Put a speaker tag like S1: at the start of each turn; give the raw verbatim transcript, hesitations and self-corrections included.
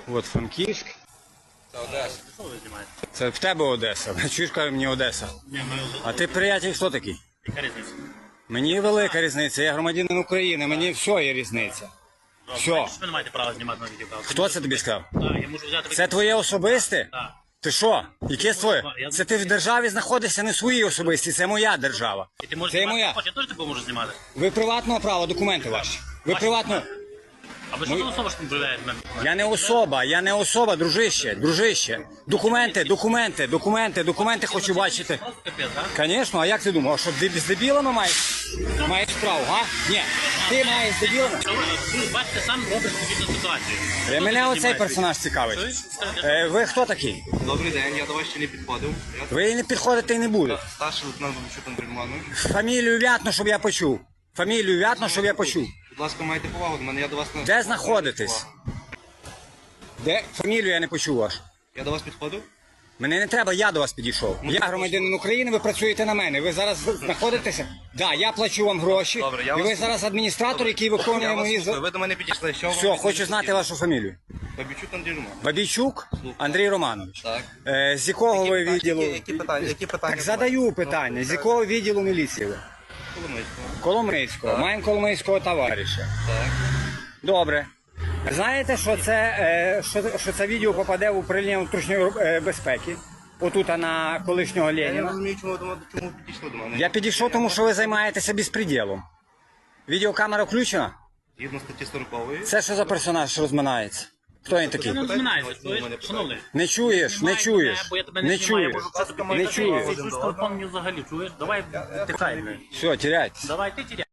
S1: От Франківськ.
S2: Це Одеса. Що ви знімаєте?
S1: Це в тебе Одеса. Чуєш, каже мені Одеса.
S2: Ні, ми...
S1: А ти, приятель, хто такий?
S2: Яка різниця?
S1: Мені велика різниця, я громадянин України, мені все є різниця. Все.
S2: Ви не маєте права знімати на відео.
S1: Хто це тобі сказав?
S2: Так, я можу взяти...
S1: Це твоє особисте?
S2: Так.
S1: Ти що? Яке твоє? Це ти в державі знаходишся, не в своїй особистій, це моя держава.
S2: І ти можеш
S1: Це
S2: знімати,
S1: моя.
S2: хоч я теж тебе можу знімати.
S1: Ви приватного права, документи ваші. Ви
S2: Ваші
S1: приватного...
S2: А ви що за особа, що не проявляєте мене?
S1: Я не особа, я не особа, дружище, дружище. Документи, документи, документи, документи хочу бачити.
S2: Просто капець, так?
S1: Звісно, а як ти думав, що з дебілами маєш, маєш справу, га? Ні, ти маєш з дебілами.
S2: Що ви, ви бачите, сам робиш відповідну ситуацію.
S1: Е,
S2: Хто
S1: Мене
S2: таки
S1: оцей
S2: знімає?
S1: персонаж цікавить.
S2: Чуєш? Скажете,
S1: Е, Ви хто такий?
S3: Добрий день, я до вас ще не підходив. Я
S1: Ви не підходите і не буде.
S3: старший лейтенант Бабичук Андрій Романович.
S1: Фамілію вятно, щоб я почув. Фамілію вятно, щоб я почув.
S3: Будь ласка, майте повагу до мене, я до вас не...
S1: Де знаходитесь? Де? Фамілію я не почув вашу.
S3: Я до вас підходив?
S1: Мене не треба, я до вас підійшов. Я громадянин України, ви працюєте на мене. Ви зараз знаходитеся? Так, да, я плачу вам гроші.
S3: Добре, я
S1: І ви
S3: вас-
S1: зараз адміністратор, який
S3: Я
S1: виконує
S3: вас
S1: мої...
S3: слухаю,
S1: за-
S3: ви до мене підійшли. Що вам
S1: Все,
S3: від
S1: хочу
S3: мене
S1: знати
S3: хотіли?
S1: вашу фамілію.
S3: Бабичук Андрій Романович.
S1: Бабійчук Андрій Романович.
S3: Так.
S1: Е, з якого ви
S3: Які-
S1: відділу?
S3: Які, які питання? Які питання?
S1: Так задаю питання. З якого відділу міліції ви?
S3: Коломийського.
S1: Коломийського.
S3: Так.
S1: Маємо Коломийського товариша.
S3: Так.
S1: Добре. Знаєте, що це, е, що, що це відео попаде в управління внутрішньої е, безпеки? Отут на колишнього
S3: Я не
S1: Леніна.
S3: розумію, чому, до- чому підійшли до мене.
S1: Я підійшов, тому що ви займаєтеся безпреділом. Відеокамера включена?
S3: Згідно статті сорокової.
S1: Це що за персонаж розминається? Хто він такий?
S2: Ти не розминаєшся,
S3: Питання,
S2: чуєш?
S3: питання.
S2: Шановний.
S1: Не чуєш, не
S2: Знімай
S1: чуєш,
S2: мене, бо я тебе
S1: не
S2: знімаю, я
S1: чуєш,
S2: можу просто
S1: не
S2: тобі
S1: чуєш.
S2: Ти чуєш телефон мені взагалі, чуєш? Давай, тихай, блядь.
S1: Все, теряйтесь.
S2: Давай, ти тіряй.